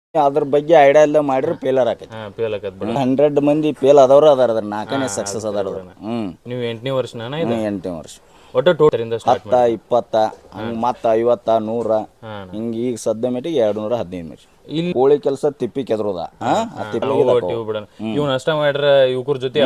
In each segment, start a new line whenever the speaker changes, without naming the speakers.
ಅದ್ರ ಬಗ್ಗೆ ಐಡಿಯಾ ಎಲ್ಲ ಮಾಡಿದ್ರೆ ಫೇಲರ್ ಆಕೈತಿ.
ಫೇಲ್ ಆಕತ್ ಬಿಡ.
100 ಮಂದಿ ಫೇಲ್ ಆದವ್ರು ಅದಾರ, 4ನೇ ಸಕ್ಸಸ್ ಅದಾರ.
ನೀವು 8ನೇ ವರ್ಷನ ಇದು?
8ನೇ ವರ್ಷ.
ಒಟ್ಟು ಟೋಟಲಿಂದ
10, 20 ಹಂಗೆ ಮತ್ತೆ 50, 100 ಹಿಂಗೆ. ಈಗ ಸದ್ಯ ಮಟ್ಟಿಗೆ 215 ಮೀಟ್ರ್. ಇಲ್ಲಿ ಕೋಳಿ ಕೆಲಸ ತಿಪ್ಪಿ ಕೆದ್ರದ
ಇವ್ ನಷ್ಟ ಮಾಡ್ರ ಇವ್ರ ಜೊತೆ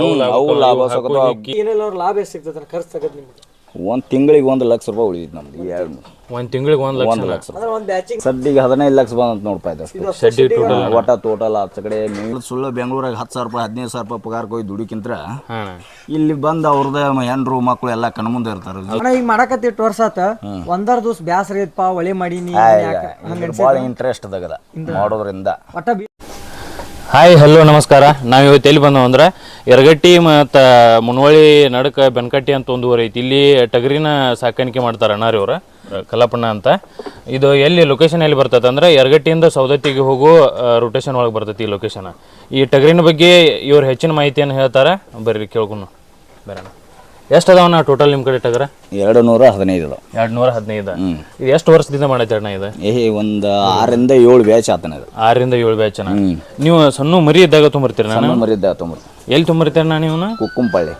ಲಾಭ ಎಷ್ಟು ಸಿಗ್ತದೆ? ಖರ್ಚು ತಗದ್ ನಿಮ್ಗೆ
ಒಂದು ತಿಂಗಳಿಗೆ 1 ಲಕ್ಷ ರೂಪಾಯಿ ಉಳಿದಿತ್ತು ನಮ್ದು.
ಒಂದು ತಿಂಗಳಿಗೆ 1 ಲಕ್ಷ.
ಸದ್ದಿಗೆ 15 ಲಕ್ಷ ಬಂದಂತ ನೋಡ್ಪಾ ಇದು ಒಟ್ಟ ಟೋಟಲ್ ಆಚ ಕಡೆ. ಸುಳ್ಳು ಬೆಂಗಳೂರಾಗ 10,000 ರೂಪಾಯಿ 15,000 ರೂಪಾಯಿ ಪಗಾರಕ್ಕೆ ಹೋಗಿ ದುಡಿಕಿಂತ ಇಲ್ಲಿ ಬಂದು ಅವ್ರದ್ದು ಹೆಣ್ರು ಮಕ್ಕಳು ಎಲ್ಲ ಕಣ್ಮುಂದೆ ಇರ್ತಾರೆ.
ಈಗ ಮಾಡಕತ್ತಿ 8 ವರ್ಷ ಆತ, ಒಂದರ ದಿವಸ ಬ್ಯಾಸರ ಐತಪ್ಪ ಒಳ್ಳೆ ಮಾಡೀನಿ,
ಭಾಳ ಇಂಟ್ರೆಸ್ಟ್ ಅದಾಗದ ಮಾಡೋದ್ರಿಂದ.
ಹಾಯ್ ಹಲೋ ನಮಸ್ಕಾರ. ನಾವು ಇವತ್ತು ಎಲ್ಲಿ ಬಂದವು ಅಂದ್ರೆ ಯರಗಟ್ಟಿ ಮತ್ತು ಮುನವಳ್ಳಿ ನಡಕ ಬೆನಕಟ್ಟಿ ಅಂತ ಒಂದು ಊರು ಐತಿ. ಇಲ್ಲಿ ಟಗರಿನ ಸಾಕಾಣಿಕೆ ಮಾಡ್ತಾರೆ ಅಣ್ಣಾರಿ ಅವ್ರ ಕಲ್ಲಪ್ಪಣ್ಣ ಅಂತ. ಇದು ಎಲ್ಲಿ ಲೊಕೇಶನ್ ಎಲ್ಲಿ ಬರ್ತೈತೆ ಅಂದ್ರೆ ಯರಗಟ್ಟಿಯಿಂದ ಸೌದತ್ತಿಗೆ ಹೋಗೋ ರೊಟೇಷನ್ ಒಳಗೆ ಬರ್ತೈತಿ ಈ ಲೊಕೇಶನ್. ಈ ಟಗರಿನ ಬಗ್ಗೆ ಇವ್ರು ಹೆಚ್ಚಿನ ಮಾಹಿತಿಯನ್ನು ಹೇಳ್ತಾರೆ, ಬರ್ರಿ ಕೇಳ್ಕೊಂಡು ಬರೋಣ. ಎಷ್ಟು ಅದಾವಣ್ಣ ಟೋಟಲ್ ನಿಮ್ಮ ಕಡೆ ಟಗರ?
215 ಅದಾವ.
215. ಇದು ಎಷ್ಟು ವರ್ಷದಿಂದ ಮಾಡೈತೆ ಅಣ್ಣ ಇದು?
ಒಂದು 6ರಿಂದ 7 ಬ್ಯಾಚ್ ಆತನ ಇದು.
6ರಿಂದ 7 ಬ್ಯಾಚ್ ಅಣ್ಣ. ನೀವು ಸಣ್ಣ ಮರಿ ಇದ್ದಾಗ ತುಂಬಿರ್ತೀರ? ನಾನು
ಮರಿ ಇದ್ದಾಗ ತುಂಬಿರ್ತೀನಿ.
ಎಲ್ಲಿ ತುಂಬಿರ್ತೀರ ನೀವು?
ಕುಕ್ಕುಂಪಳ್ಳಿ.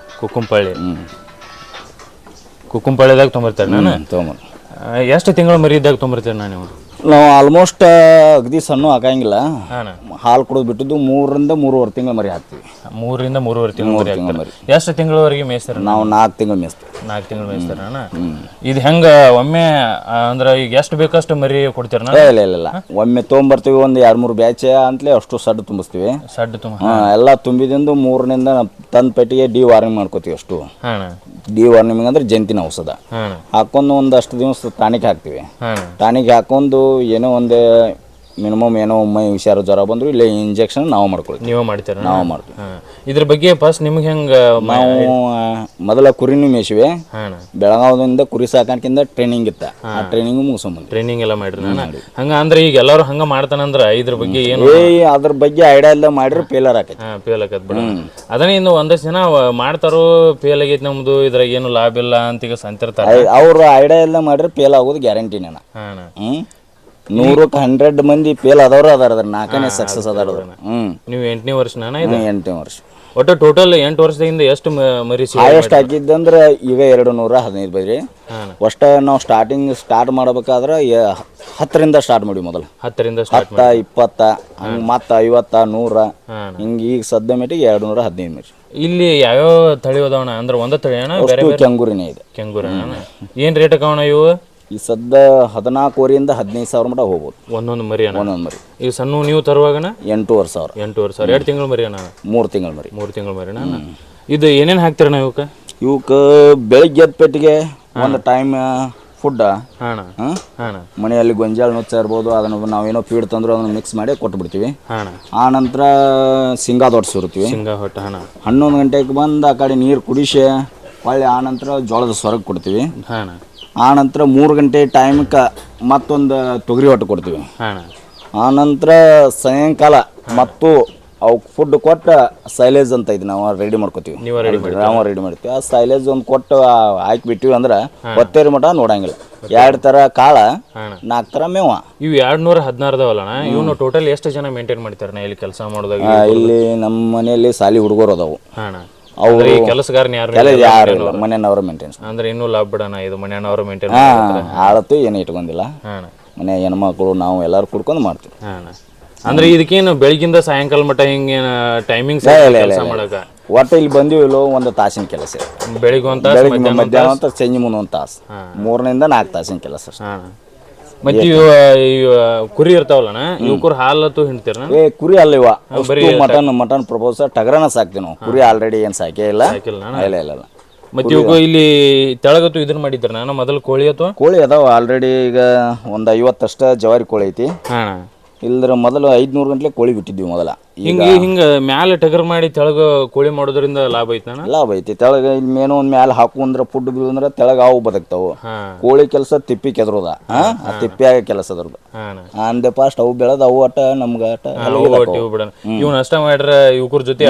ಕುಕ್ಕುಂಪಳ್ಳಿದಾಗ ತುಂಬಿರ್ತೀರ ನಾನು? ಎಷ್ಟು ತಿಂಗಳು ಮರಿ ಇದ್ದಾಗ ತುಂಬಿರ್ತೀರ ನೀವು?
ನಾವು ಆಲ್ಮೋಸ್ಟ್ ಅಗದಿ ಸಣ್ಣ ಹಾಕಂಗಿಲ್ಲ. ಹಾಲು ಕುಡಿದು ಬಿಟ್ಟಿದ್ದು 3ರಿಂದ 3.5 ತಿಂಗಳು ಮರಿ ಹಾಕ್ತೀವಿ.
3ರಿಂದ 3.5 ತಿಂಗಳು ಮರಿ. ಎಷ್ಟು ತಿಂಗಳವರೆಗೆ ಮೇಯಿಸ್ತಾರೆ
ನಾವು? 4 ತಿಂಗಳು ಮೇಯಿಸ್ತೀವಿ.
4 ತಿಂಗಳು ಮೇಯಿಸ್ತಾರ ಅಣ್ಣ. ಇದು ಹೆಂಗ ಒಮ್ಮೆ ಅಂದ್ರೆ ಈಗ ಎಷ್ಟು ಬೇಕಷ್ಟು ಮರಿ ಕೊಡ್ತೀರ?
ಇಲ್ಲ, ಒಮ್ಮೆ ತೊಗೊಂಬರ್ತೀವಿ. ಒಂದು 2-3 ಬ್ಯಾಚ್ ಅಂತಲೇ ಅಷ್ಟು ಸಡ್ಡು ತುಂಬಿಸ್ತೀವಿ. ಎಲ್ಲ ತುಂಬಿದಿಂದ 3ರಿಂದ ತಂದ ಪೆಟ್ಟಿಗೆ ಡಿ ವಾರ್ನಿಂಗ್ ಮಾಡ್ಕೋತೀವಿ ಅಷ್ಟು. ಡಿ ವಾರ್ನಿಂಗ್ ಅಂದ್ರೆ ಜಂತಿನ ಔಷಧ ಹಾಕೊಂಡು ಒಂದಷ್ಟು ದಿವಸ ಟಾನಿಕ್ ಹಾಕ್ತಿವಿ. ಟಾನಿಕ್ ಹಾಕೊಂಡು ಏನೋ ಒಂದು ಮಿನಿಮಮ್ ಏನೋ ಒಮ್ಮೆ ಹುಷಾರು ಜ್ವರ ಬಂದ್ರು ಇಲ್ಲ ಇಂಜೆಕ್ಷನ್ ನಾವು ಮಾಡ್ಕೊಳ್ತೀವಿ.
ನೀವು ಮಾಡ್ತೀರ?
ನಾವು ಮಾಡ್ತೀವಿ.
ಇದ್ರ ಬಗ್ಗೆ ಫಸ್ಟ್ ನಿಮ್ಗೆ ಹೆಂಗ?
ನಾವು ಮೊದಲ ಕುರಿನೂ ಮೇಯಿಸಿವೆ. ಬೆಳಗಾವದಿಂದ ಕುರಿ ಸಾಕಾಣಿಕೆಯಿಂದ ಟ್ರೈನಿಂಗ್ ಇತ್ತ, ಆ ಟ್ರೈನಿಂಗ್ ಮುಗಿಸ್ಕೊಂಡ್ಬಂದ್ವಿ.
ಟ್ರೈನಿಂಗ್ ಎಲ್ಲ ಮಾಡ್ರಿ ಹಂಗ ಅಂದ್ರೆ ಈಗ ಎಲ್ಲರೂ ಹಂಗ ಮಾಡ್ತಾನಂದ್ರ ಇದ್ರ ಬಗ್ಗೆ ಏನು?
ಅದ್ರ ಬಗ್ಗೆ ಐಡಿಯಾ ಎಲ್ಲ ಮಾಡಿದ್ರೆ ಫೇಲರ್ ಆಕೈತಿ.
ಫೇಲ್ ಆಕತ್ ಬಿಡ. ಅದನ್ನ ಇನ್ನು ಒಂದಷ್ಟು ಜನ ಮಾಡ್ತಾರೋ ಫೇಲ್ ಆಗೈತಿ ನಮ್ದು ಇದ್ರಾಗ ಏನು ಲಾಭ ಇಲ್ಲ ಅಂತ ಈಗ ಸಂತಿರ್ತಾರೆ.
ಅವ್ರ ಐಡಿಯಾ ಎಲ್ಲ ಮಾಡಿದ್ರೆ ಫೇಲ್ ಆಗೋದು ಗ್ಯಾರಂಟಿನ. 100ಕ್ಕೆ 100 ಮಂದಿ ಫೇಲ್ ಆದವ್ರು ಅದಾರ, 4ನೇ ಸಕ್ಸಸ್ ಅದಾರ.
ನೀವು 8ನೇ ವರ್ಷನ?
8ನೇ ವರ್ಷ.
ಒಟ್ಟು ಟೋಟಲ್ 8 ವರ್ಷದಿಂದ ಎಷ್ಟು ಮರಿ
ಹೈಯೆಸ್ಟ್ ಹಾಕಿದ್ದಂದ್ರೆ ಈಗ 215 ಬೈರಿ. ಅಷ್ಟ ನಾವು ಸ್ಟಾರ್ಟ್ ಮಾಡ್ಬೇಕಾದ್ರೆ 10ರಿಂದ ಸ್ಟಾರ್ಟ್ ಮಾಡಿ. ಮೊದಲು
10ರಿಂದ
10, 20 ಹಂಗೆ ಮತ್ತೆ 50, 100 ಹಿಂಗೆ. ಈಗ ಸದ್ಯ ಮಟ್ಟಿಗೆ 215 ಮೀಟ್ರ್.
ಇಲ್ಲಿ ಯಾವ್ಯಾವ ತಳಿ ಅದಾವಣ? ಅಂದ್ರೆ ಒಂದ ತಳಿ ಅಣ್ಣ?
ಕೆಂಗೂರಿನೇ ಇದೆ.
ಕೆಂಗೂರ ಏನ್ ರೇಟ್ ಅಕವಣ ಇವು?
ಈ ಸದ್ಯ 14,000ರಿಂದ 15,000 ಮಟ ಹೋಗ್ಬೋದು
ಒಂದೊಂದು ಮರಿ.
ಒಂದೊಂದು ಮರಿ.
ಈಗ ಸಣ್ಣ ನೀವು ತರುವಾಗಣ
8,500.
8,500. 2 ತಿಂಗಳು ಮರಿ ಅಣ್ಣ?
3 ತಿಂಗಳು ಮರಿ.
3 ತಿಂಗಳು ಮರಿ ಅಣ್ಣ. ಇದು ಏನೇನು ಹಾಕ್ತೀರಣ್ಣ ಇವಕ್ಕೆ?
ಬೆಳಿಗ್ಗೆ ಎದ್ದ ಪೆಟ್ಟಿಗೆ ಒಂದು ಟೈಮ್ ಫುಡ್, ಮನೆಯಲ್ಲಿ ಗೊಂಜಾಳ ನುಚ್ಚ ಇರ್ಬೋದು, ಅದನ್ನು ನಾವೇನೋ ಫೀಡ್ ತಂದ್ರು ಅದನ್ನು ಮಿಕ್ಸ್ ಮಾಡಿ ಕೊಟ್ಟು ಬಿಡ್ತೀವಿ. ಆ ನಂತರ ಶೇಂಗಾ ದೊಡ್ಡ ಸುರ್ತೀವಿ. 11 ಗಂಟೆಗೆ ಬಂದು ಆ ಕಡೆ ನೀರು ಕುಡಿಸಿ ಹೊಳ್ಳಿ ಆ ನಂತರ ಜೋಳದ ಸ್ವರ್ಗ ಕೊಡ್ತೀವಿ. ಆ ನಂತರ 3 ಗಂಟೆ ಟೈಮ್ಗೆ ಮತ್ತೊಂದು ತೊಗರಿ ಹೊಟ್ಟು ಕೊಡ್ತೀವಿ. ಆ ನಂತರ ಸಾಯಂಕಾಲ ಮತ್ತು ಅವಕ್ಕೆ ಫುಡ್ ಕೊಟ್ಟು ಸೈಲೇಜ್ ಅಂತ ಇದು ನಾವು ರೆಡಿ ಮಾಡ್ಕೋತೀವಿ. ನಾವು ರೆಡಿ ಮಾಡ್ತೀವಿ. ಆ ಸೈಲೇಜ್ ಒಂದು ಕೊಟ್ಟು ಹಾಕಿಬಿಟ್ಟಿವಿ ಅಂದ್ರೆ ಹೊತ್ತೇರಿ ಮಟ ನೋಡಂಗಿಲ್ಲ. 2 ಥರ ಕಾಳ, 4 ಥರ ಮೇವ.
ಇವು 216 ಅದಾವಲ್ಲ, ಇವನು ಟೋಟಲ್ ಎಷ್ಟು ಜನ ಮೇಂಟೈನ್ ಮಾಡ್ತಾರೆ ಇಲ್ಲಿ ಕೆಲಸ ಮಾಡೋದಾಗ?
ಇಲ್ಲಿ ನಮ್ಮ ಮನೆಯಲ್ಲಿ ಸಾಲಿ ಹುಡುಗರು ಅದಾವು.
ಅವ್ರು ಕೆಲಸಗಾರನ
ಯಾರು ಮನೆಯವ್ರ ಮೇಂಟೆನ್ಸ್
ಅಂದ್ರೆ ಇನ್ನೂ ಲಾಭ ಬಿಡೋಣ. ಇದು ಮನೆಯವ್ರ ಮೇಂಟೈನ್
ಆಳತ್ತು ಏನು ಇಟ್ಕೊಂಡಿಲ್ಲ. ಮನೆ ಹೆಣ್ಮಕ್ಳು ನಾವು ಎಲ್ಲಾರು ಕುಡ್ಕೊಂಡು ಮಾಡ್ತೀವಿ.
ಅಂದ್ರೆ ಇದಕ್ಕೇನು ಬೆಳಗಿಂದ ಸಾಯಂಕಾಲ ಮಟ್ಟ ಹಿಂಗೇನು ಟೈಮಿಂಗ್ಸ್ ಮಾಡಕ?
ಒಟ್ಟು ಇಲ್ಲಿ ಬಂದಿವಿಲ್ಲೋ ಒಂದು ತಾಸಿನ ಕೆಲಸ.
ಬೆಳಿಗ್ಗೆ ಒಂದು ತಾಸು,
ಮಧ್ಯಾಹ್ನ ಅಂತ ಸಂಜೆ ಮುಂದೆ 1 ತಾಸು, 3ರಿಂದ 4 ತಾಸಿನ ಕೆಲಸ.
ಮತ್ತೆ ಕುರಿ ಇರ್ತಾವಲ್ಲ, ಇವ್ ಕುರಿ ಹಾಲತ್ತು ಹಿಂಡ್ತೀರ?
ಕುರಿ ಅಲ್ಲ, ಇವ ಮಟನ್ ಪ್ರಪೋಸ್ ಟಗರನ ಸಾಕ್ತೀವಿ ನಾವು. ಕುರಿ ಆಲ್ರೆಡಿ ಏನ್ ಸಾಕೇ ಇಲ್ಲ. ಇಲ್ಲ.
ಮತ್ತೆ ಇವಾಗ ಇಲ್ಲಿ ತೆಳಗತ್ತು ಇದನ್ನ ಮಾಡಿದ್ರ ನಾನು ಮೊದಲು ಕೋಳಿ ಅಥವಾ?
ಕೋಳಿ ಅದಾವ ಆಲ್ರೆಡಿ. ಈಗ ಒಂದು 50 ಅಷ್ಟ ಜವಾರಿ ಕೋಳಿ ಐತಿ. ಇಲ್ದ್ರ ಮೊದಲು 500 ಗಂಟ್ಲೆ ಕೋಳಿ ಬಿಟ್ಟಿದ್ವಿ ಮೊದಲ.
ಹಿಂಗ ಮ್ಯಾಲೆ ಟಗರ್ ಮಾಡಿ ತೆಳಗ ಕೋಳಿ ಮಾಡೋದ್ರಿಂದ ಲಾಭ ಐತಿ?
ಲಾಭ ಐತಿ. ತೆಳಗ ಮೇನೋ ಒಂದ್ ಮ್ಯಾಲ ಹಾಕುಂದ್ರ ಫುಡ್ ಬಿಡುದಂದ್ರ ತೆಳಗ ಅವು ಬದುಕ್ತಾವು. ಕೋಳಿ ಕೆಲಸ ತಿಪ್ಪಿ ಕೆದ್ರದ, ಆ ತಿಪ್ಪಿಯಾಗ ಕೆಲಸ ಅದ್ರದ್ದು. ಅಂದೆ ಫಾಸ್ಟ್ ಅವು ಬೆಳೆದ ಅವು ಅಟ ನಮ್ಗ
ಇವ್ ನಷ್ಟ ಮಾಡ್ರ ಇವ್ರ ಜೊತೆ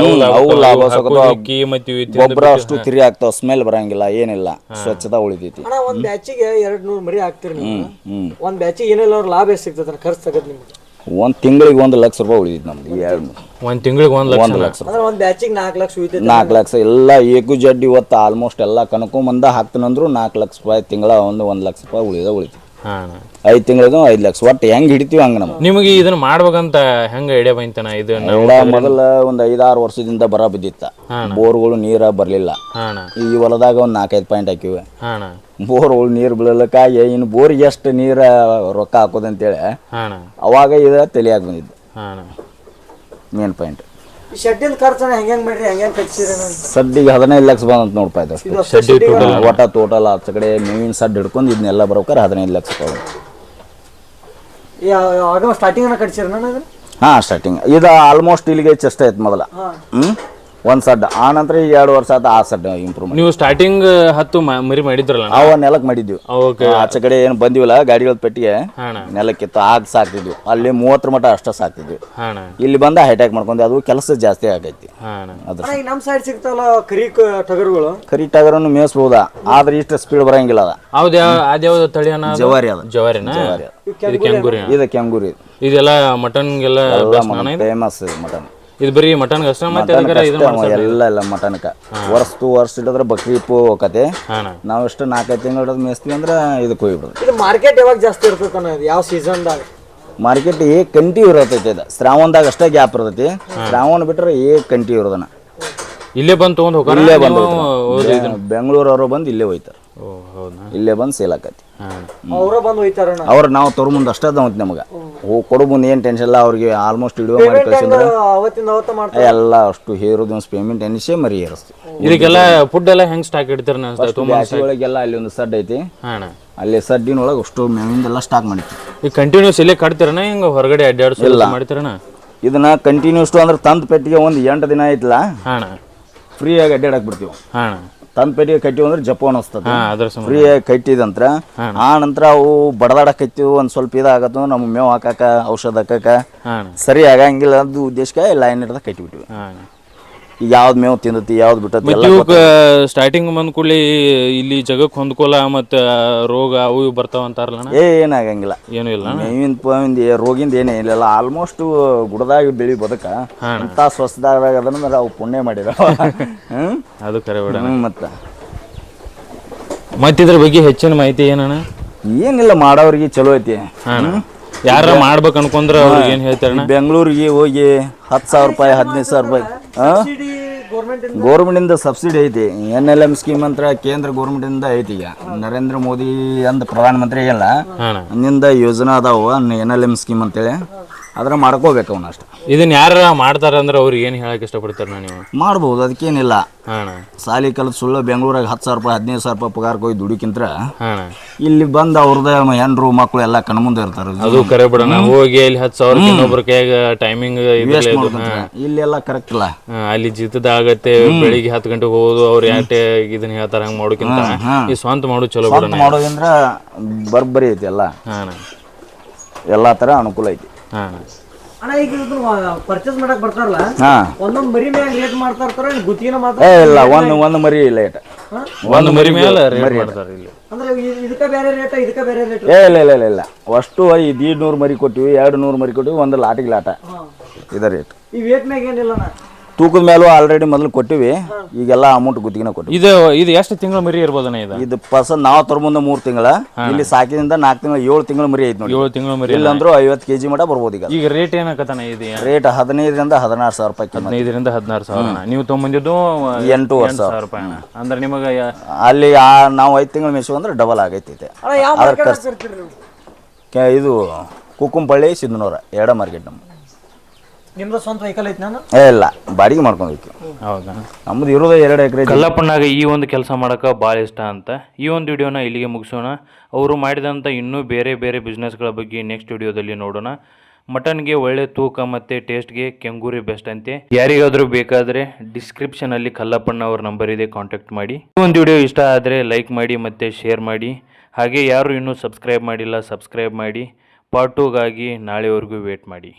ಗೊಬ್ಬರ ಅಷ್ಟು ತಿರಿ ಆಗ್ತಾವ, ಸ್ಮೆಲ್ ಬರಂಗಿಲ್ಲ, ಏನಿಲ್ಲ, ಸ್ವಚ್ಛತಾ ಉಳಿದೈತಿ. ಒಂದ್ ಬ್ಯಾಚಿಗೆ 200 ಮರಿ ಹಾಕ್ತಿರಿ ನೀವು. ಒಂದ್ ಬ್ಯಾಚಿಗೆ ಏನೆಲ್ಲ ಲಾಭ ಎಷ್ಟು ಸಿಗ್ತದ? ಖರ್ಚು ತಗದ್ ನಿಮ್ಗೆ
ಒಂದು ತಿಂಗಳಿಗೆ 1 ಲಕ್ಷ ರೂಪಾಯಿ ಉಳಿದಿತ್ತು ನಮ್ದು
ಒಂದು ತಿಂಗಳಿಗೆ 1 ಲಕ್ಷ
1 ಲಕ್ಷ ರೂಪಾಯಿ.
ಅಂದ್ರೆ ಒಂದು ಬ್ಯಾಚಿಗೆ 4 ಲಕ್ಷ ಉಳಿತೈತೆ.
4 ಲಕ್ಷ ಎಲ್ಲ ಏಕು ಜಡ್ ಇವತ್ತು ಆಲ್ಮೋಸ್ಟ್ ಎಲ್ಲ ಕನ್ಕೊಂಬಂದ ಹಾಕ್ತೀನಂದ್ರು 4 ಲಕ್ಷ ರೂಪಾಯಿ ತಿಂಗಳ 1 ಲಕ್ಷ ರೂಪಾಯಿ ಉಳಿತೈತಿ.
ಹಾಂ
5 ತಿಂಗಳದು 5 ಲಕ್ಷ ಒಟ್ಟು ಹೆಂಗೆ ಹಿಡಿತೀವಿ ಹಂಗೆ ನಮ್ಗೆ.
ನಿಮಗೆ ಇದನ್ನ ಮಾಡ್ಬೇಕಂತ ಹೆಂಗೆ ಐಡಿಯಾ ಬಂತನ ಇದು?
ಮೊದಲ ಒಂದು 5-6 ವರ್ಷದಿಂದ ಬರ ಬಿದ್ದಿತ್ತ, ಬೋರ್ಗಳು ನೀರ ಬರಲಿಲ್ಲ.
ಹಾಂ
ಈ ಹೊಲದಾಗ ಒಂದು 4-5 ಪಾಯಿಂಟ್ ಹಾಕಿವಿ.
ಹಾಂ
ಬೋರ್ಗಳು ನೀರು ಬೀಳಲಿಕ್ಕಾಗಿ ಇನ್ನು ಬೋರಿಗೆ ಎಷ್ಟು ನೀರ ರೊಕ್ಕ ಹಾಕೋದಂತೇಳಿ
ಹಾಂ
ಅವಾಗ ಇದು ತಲೆಯಾಗಿ ಬಂದಿದ್ದು
ಹಾಂ
ಮೇನ್ ಪಾಯಿಂಟ್.
ಶೆಡ್ಡಿನ ಖರ್ಚನ ಹೆಂಗೆ ಮಾಡ್ರಿ, ಹೆಂಗೆ ಕಟ್ಸಿರಿ?
ಸಡ್ಡಿಗೆ 15 ಲಕ್ಷ ಬಂದಂತ ನೋಡ್ಪಾ ಇದು.
ಶೆಡ್ಡಿ
ಒಟ್ಟ ಟೋಟಲ್ ಆಚ ಕಡೆ ಮೇವಿನ ಸಡ್ ಹಿಡ್ಕೊಂಡು ಇದನ್ನೆಲ್ಲ ಬರೋಕಾರ 15 ಲಕ್ಷ ರೂಪಾಯಿ.
ಆಗ ಸ್ಟಾರ್ಟಿಂಗ್ ಕಟ್ಸಿರಿ ನಾನು?
ಹಾಂ ಸ್ಟಾರ್ಟಿಂಗ್ ಇದು ಆಲ್ಮೋಸ್ಟ್ ಇಲ್ಲಿಗೆ ಚೆಸ್ಟ್ ಆಯ್ತು ಮೊದಲ. ಒಂದು ಸಡ್ ಆ ನಂತರ ಈಗ 2 ವರ್ಷ ಆಯ್ತು ಆ ಸಡ್ ಇಂಪ್ರೂವ್ಮೆಂಟ್.
ನೀವು ಸ್ಟಾರ್ಟಿಂಗ್ 10 ಮರಿ ಮಾಡಿದ್ರಲ್ಲ?
ಅವ ನೆಲಕ್ಕೆ ಮಾಡಿದ್ವಿ.
ಓಕೆ.
ಆಚೆ ಕಡೆ ಏನು ಬಂದಿವಲ್ಲ ಗಾಡಿಗಳ ಪೆಟ್ಟಿಗೆ
ಹಾಂ
ನೆಲಕ್ಕಿತ್ತು ಆಗ ಸಾಕ್ತಿದ್ವಿ. ಅಲ್ಲಿ 30 ಮಟ ಅಷ್ಟ ಸಾಕ್ತಿದ್ವಿ.
ಹಾಂ
ಇಲ್ಲಿ ಬಂದ ಹೈಟ್ಯಾಕ್ ಮಾಡ್ಕೊಂಡು ಅದು ಕೆಲಸ ಜಾಸ್ತಿ ಆಗೈತಿ.
ಹಾಂ
ಅದ್ರ
ಈಗ ನಮ್ಮ ಸೈಡ್ ಸಿಗ್ತಾವಲ್ಲ ಕರಿ ಟಗರುಗಳು,
ಕರೀಟಾಗರನ್ನು ಮೇಯಿಸ್ಬೋದ ಆದ್ರೆ ಇಷ್ಟು ಸ್ಪೀಡ್ ಬರಂಗಿಲ್ಲ.
ಹೌದು. ಅದ್ಯಾವ್ದು ತಳಿ ಅನ್ನ?
ಜವಾರಿ ಅದ.
ಜವಾರಿನಾ? ಇದು ಕೆಂಗೂರಿ?
ಇದು ಕೆಂಗೂರಿ.
ಇದೆಲ್ಲ ಮಟನ್ಗೆಲ್ಲ
ಫೇಮಸ್ ಮಟನ್.
ಇದು ಬರೀ ಮಟನ್ ಅಷ್ಟ? ಮತ್ತೆ
ಎಲ್ಲ ಮಟನ್ಕ ವರ್ಷ ಇಟ್ಟಿದ್ರೆ ಬಕ್ರಿ ಇಪ್ಪು ಹೋಗತ್ತೆ. ನಾವು ಎಷ್ಟು 4-5 ತಿಂಗಳು ಮೇಯಿಸ್ತೀವಿ ಅಂದ್ರೆ ಇದಕ್ಕೆ ಹೋಗ್ಬಿಡೋದು.
ಇದು ಮಾರ್ಕೆಟ್ ಯಾವಾಗ ಜಾಸ್ತಿ ಇರ್ತೈತೆ? ಯಾವ ಸೀಸನ್ದಾಗ?
ಮಾರ್ಕೆಟ್ ಕಂಟಿನ್ಯೂ ಇರತೈತಿ. ಇದು ಶ್ರಾವಣದಾಗ ಅಷ್ಟೇ ಗ್ಯಾಪ್ ಇರ್ತೈತಿ. ಶ್ರಾವಣ ಬಿಟ್ರೆ ಕಂಟಿನ್ಯೂ ಇರೋದನ್ನ
ಇಲ್ಲೇ ಬಂದು ತೊಗೊಂಡು ಹೋಗೋಣ?
ಇಲ್ಲೇ ಬಂದು ಬೆಂಗಳೂರವರು ಬಂದು ಇಲ್ಲೇ ಹೋಯ್ತಾರೆ. ಇಲ್ಲೇ ಬಂದು ಸೇಲ್ ಆಕತಿ.
ಅವರ ಬಂದು ಹೋಯ್ತಾರಣ್ಣ?
ಅವ್ರು ನಾವು ತೊರ ಮುಂದೆ ಅಷ್ಟೇ ಅದಾವತ್ ನಮಗೆ ಕೊಡು ಮುಂದೆ ಏನು ಟೆನ್ಷನ್ ಇಲ್ಲ. ಅವ್ರಿಗೆ ಆಲ್ಮೋಸ್ಟ್ ವಿಡಿಯೋ ಮಾಡಿ ಕಳಿಸಿದ್ರೆ
ಅವತ್ತಿಂದ ಅವತ್ತ ಮಾಡ್ತಾರೆ
ಎಲ್ಲ ಅಷ್ಟು ಹೇರೋದು ಪೇಮೆಂಟ್ ಎನಿಸೇ ಮರಿ ಏರಿಸ್ತೀವಿ.
ಇದಕ್ಕೆಲ್ಲ ಫುಡ್ ಎಲ್ಲ ಹೆಂಗೆ ಸ್ಟಾಕ್ ಇಡ್ತಾರೆ?
ಬ್ಯಾಸಿಗೊಳಗೆಲ್ಲ ಅಲ್ಲಿ ಒಂದು ಸಡ್ ಐತಿ. ಅಲ್ಲಿ ಸಡ್ಡಿನೊಳಗೆ ಅಷ್ಟು ಮೇವಿಂದೆಲ್ಲ ಸ್ಟಾಕ್ ಮಾಡಿರ್ತೀವಿ.
ಈಗ ಕಂಟಿನ್ಯೂಸ್ ಇಲ್ಲೇ ಕಟ್ತೀರಣ? ಹಿಂಗೆ ಹೊರಗಡೆ ಅಡ್ಡಾಡ್ಸೋ ಮಾಡ್ತೀರಣ?
ಇದನ್ನ ಕಂಟಿನ್ಯೂಸ್ ಅಂದ್ರೆ ತಂದು ಪೆಟ್ಟಿಗೆ ಒಂದು 8 ದಿನ ಆಯ್ತಲ್ಲ ಫ್ರೀಯಾಗಿ ಅಡ್ಡಾಡಕ್ ಬಿಡ್ತೀವಿ. ತಂದು ಪೆಟ್ಟಿಗೆ ಕಟ್ಟಿವಿ ಅಂದ್ರೆ ಜಪ್ಪ ಅನಿಸ್ತದೆ. ಫ್ರೀಯಾಗಿ ಕಟ್ಟಿದಂತ್ರ ಆ ನಂತರ ಅವು ಬಡದಾಡಕೈತಿವು. ಒಂದು ಸ್ವಲ್ಪ ಇದಾಗತ್ತು ನಮ್ಗೆ ಮೇವು ಹಾಕಾಕ ಔಷಧ ಹಾಕಾಕ ಸರಿ ಆಗಂಗಿಲ್ಲ ಅದು ಉದ್ದೇಶಕ್ಕೆ ಲೈನ್ ಹಿಡ್ದ ಕಟ್ಟಿಬಿಟ್ಟಿವಿ. ಈಗ ಯಾವ್ದು ಮೇವು ತಿಂದತಿ ಯಾವ್ದು ಬಿಟ್ಟತಿ
ಸ್ಟಾರ್ಟಿಂಗ್ ಬಂದ ಕೂಡಲೇ ಇಲ್ಲಿ ಜಗಕ್ಕೆ ಹೊಂದ್ಕೊಲ್ಲ ಮತ್ತೆ ರೋಗ ಅವು ಬರ್ತಾವ ಅಂತಾರಲ್ಲ?
ಏನಾಗಂಗಿಲ್ಲ.
ಏನು ಇಲ್ಲ.
ಮೇವಿನ ರೋಗಿಂದ ಏನೇ ಇಲ್ಲ. ಆಲ್ಮೋಸ್ಟ್ ಗುಡದಾಗ ಬೆಳಿ ಬದುಕ ಅಂತ ಸ್ವಸ್ಥದಾಗ ಅದನ್ನ ಅವು ಪುಣ್ಯ ಮಾಡಿರ.
ಅದು ಕರೆ ಬಿಡ.
ಮತ್ತಿದ್ರ
ಬಗ್ಗೆ ಹೆಚ್ಚಿನ ಮಾಹಿತಿ ಏನಣ್ಣ?
ಏನಿಲ್ಲ, ಮಾಡೋರಿಗೆ ಚಲೋ ಐತಿ.
ಯಾರ ಮಾಡ್ಬೇಕು ಅನ್ಕೊಂಡ್ರ ಅವ್ರಿಗೆ ಏನ್ ಹೇಳ್ತಾರ?
ಬೆಂಗಳೂರಿಗೆ ಹೋಗಿ 10,000 ರೂಪಾಯಿ 15,000 ರೂಪಾಯಿ ಗೌರ್ಮೆಂಟಿಂದ ಸಬ್ಸಿಡಿ ಐತಿ. NLM ಸ್ಕೀಮ್ ಅಂತ ಕೇಂದ್ರ ಗೌರ್ಮೆಂಟಿಂದ ಐತಿ. ಈಗ ನರೇಂದ್ರ ಮೋದಿ ಅಂದ ಪ್ರಧಾನ ಮಂತ್ರಿ ಎಲ್ಲ ಅಂದಿಂದ ಯೋಜನಾ ಅದಾವ NLM ಸ್ಕೀಮ್ ಅಂತೇಳಿ. ಅದ್ರ ಮಾಡ್ಕೋಬೇಕು ಅವನ್ನ ಅಷ್ಟ.
ಇದನ್ನ ಯಾರ ಮಾಡ್ತಾರ ಅಂದ್ರೆ ಅವ್ರಿಗೆ ಏನ್ ಹೇಳಕ್ ಇಷ್ಟಪಡ್ತಾರ? ನೀವು
ಮಾಡ್ಬೋದು, ಅದಕ್ಕೇನಿಲ್ಲ. ಸಾಲಿ ಕಲ್ತು ಸುಳ್ಳು ಬೆಂಗಳೂರಾಗ 10,000 ರೂಪಾಯಿ 15,000 ರೂಪಾಯಿ ಪಗಾರಕ್ಕೆ ಹೋಗಿ ದುಡಿಕಿಂತ ಇಲ್ಲಿ ಬಂದು ಅವ್ರದ ಹೆಣ್ರು ಮಕ್ಕಳು ಎಲ್ಲ ಕಣ್ಮುಂದೆ ಇರ್ತಾರ.
ಅದು ಕರೆ ಬಿಡೋಣ. ಹೋಗಿ ಇಲ್ಲಿ 10,000 ಇನ್ನೊಬ್ರ ಕೈಯಾಗ ಟೈಮಿಂಗ್
ಇಲ್ಲೆಲ್ಲ ಕರೆಕ್ಟ್ ಇಲ್ಲ.
ಅಲ್ಲಿ ಜಿತದ ಆಗತ್ತೆ. ಬೆಳಿಗ್ಗೆ 10 ಗಂಟೆಗೆ ಹೋಗೋದು. ಅವ್ರು ಯಾಕೆ ಇದನ್ನ ಹೇಳ್ತಾರ ಹಂಗ ಮಾಡೋಕ್ಕಿಂತ ಈ ಸ್ವಂತ ಮಾಡೋದು ಚಲೋ ಬಿಡೋಣ.
ಮಾಡೋದಂದ್ರ ಬರ್ಬರಿ ಐತಿ. ಎಲ್ಲಾ ತರ ಅನುಕೂಲ ಐತಿ.
ಅಣ್ಣ ಈಗ ಪರ್ಚೇಸ್ ಮಾಡಕ್ ಬರ್ತಾರಲ್ಲ, ಒಂದೊಂದು ಮರಿ ಮ್ಯಾಗ ರೇಟ್ ಮಾಡ್ತಾ ಇರ್ತಾರ, ಗುತ್ತಿಗೆನ
ಇಲ್ಲ ಒಂದು ಮರಿ ಲೇಟ್.
ಒಂದು ಮರಿ ಮೇಲೆ ರೇಟ್ ಮಾಡ್ತಾರೆ ಇಲ್ಲಿ.
ಅಂದ್ರೆ ಇದಕ್ಕ ಬೇರೆ ರೇಟ್ ಇದಕ್ಕ ಬೇರೆ ರೇಟ್?
ಇಲ್ಲ ಅಷ್ಟು 200 ಮರಿ ಕೊಟ್ಟಿವಿ, 200 ಮರಿ ಕೊಟ್ಟಿವಿ, ಒಂದು ಲಾಟಿಗೆ ಲಾಟ ಇದ ರೇಟ್.
ಈ ವೇಟ್ ಮ್ಯಾಗ ಏನಿಲ್ಲ,
ತೂಕದ ಮೇಲೂ ಆಲ್ರೆಡಿ ಮೊದಲು ಕೊಟ್ಟಿವಿ. ಈಗೆಲ್ಲ ಅಮೌಂಟ್ ಗುತ್ತಿಗೆನ ಕೊಟ್ಟಿವಿ.
ಇದು ಎಷ್ಟು ತಿಂಗಳ ಮರಿ ಇರ್ಬೋದಣ್ಣ? ಇದು
ಪರ್ಸನ್ ನಾವು ತರ ಮುಂದೆ 3 ತಿಂಗಳ, ಇಲ್ಲಿ ಸಾಕಿದಿಂದ 4 ತಿಂಗಳ 7 ತಿಂಗಳ ಮರಿ ಐತಿ ನೋಡಿ.
7 ತಿಂಗಳ ಮರಿ
ಇಲ್ಲಂದ್ರೂ 50 kg ಮಟ ಬರ್ಬೋದು. ಈಗ
ರೇಟ್ ಏನಕತ್ತಾನ? ಇದು
ರೇಟ್ 15,000 ರಿಂದ 16,000 ರೂಪಾಯಿ.
15,000 ರಿಂದ 16,000. ನೀವು ತೊಗೊಂಬಂದಿದ್ದು
8,000
ರೂಪಾಯಿ. ಅಂದ್ರೆ ನಿಮಗೆ
ಅಲ್ಲಿ ನಾವು 5 ತಿಂಗಳ ಮೇಸು ಅಂದ್ರೆ ಡಬಲ್ ಆಗೈತಿ. ಇದು ಕುಕ್ಕುಂಪಳ್ಳಿ ಸಿದ್ನೂರ ಎಡ ಮಾರ್ಕೆಟ್.
ನಿಮ್ದು ಸ್ವಂತ ವೆಹಿಕಲ್ ಐತಿ? ನಾನು
ಇಲ್ಲ, ಬಾಡಿಗೆ ಮಾಡ್ಕೊಂಡ್ವಿ.
ಹೌದಾ?
ನಮ್ದು ಇರೋದು 2 ಎಕರೆ.
ಕಲ್ಲಪ್ಪನಾಗ ಈ ಒಂದು ಕೆಲಸ ಮಾಡೋಕೆ ಭಾಳ ಇಷ್ಟ ಅಂತ ಈ ಒಂದು ವಿಡಿಯೋನ ಇಲ್ಲಿಗೆ ಮುಗಿಸೋಣ. ಅವರು ಮಾಡಿದಂಥ ಇನ್ನೂ ಬೇರೆ ಬೇರೆ ಬಿಸ್ನೆಸ್ಗಳ ಬಗ್ಗೆ ನೆಕ್ಸ್ಟ್ ವಿಡಿಯೋದಲ್ಲಿ ನೋಡೋಣ. ಮಟನ್ಗೆ ಒಳ್ಳೆ ತೂಕ ಮತ್ತು ಟೇಸ್ಟ್ಗೆ ಕೆಂಗೂರಿ ಬೆಸ್ಟ್ ಅಂತೆ. ಯಾರಿಗಾದರೂ ಬೇಕಾದರೆ ಡಿಸ್ಕ್ರಿಪ್ಷನಲ್ಲಿ ಕಲ್ಲಪ್ಪಣ್ಣ ಅವ್ರ ನಂಬರ್ ಇದೆ, ಕಾಂಟ್ಯಾಕ್ಟ್ ಮಾಡಿ. ಈ ಒಂದು ವಿಡಿಯೋ ಇಷ್ಟ ಆದರೆ ಲೈಕ್ ಮಾಡಿ ಮತ್ತು ಶೇರ್ ಮಾಡಿ. ಹಾಗೆ ಯಾರು ಇನ್ನೂ ಸಬ್ಸ್ಕ್ರೈಬ್ ಮಾಡಿಲ್ಲ ಸಬ್ಸ್ಕ್ರೈಬ್ ಮಾಡಿ. ಪಾರ್ಟ್ 2ಗಾಗಿ ನಾಳೆವರೆಗೂ ವೇಟ್ ಮಾಡಿ.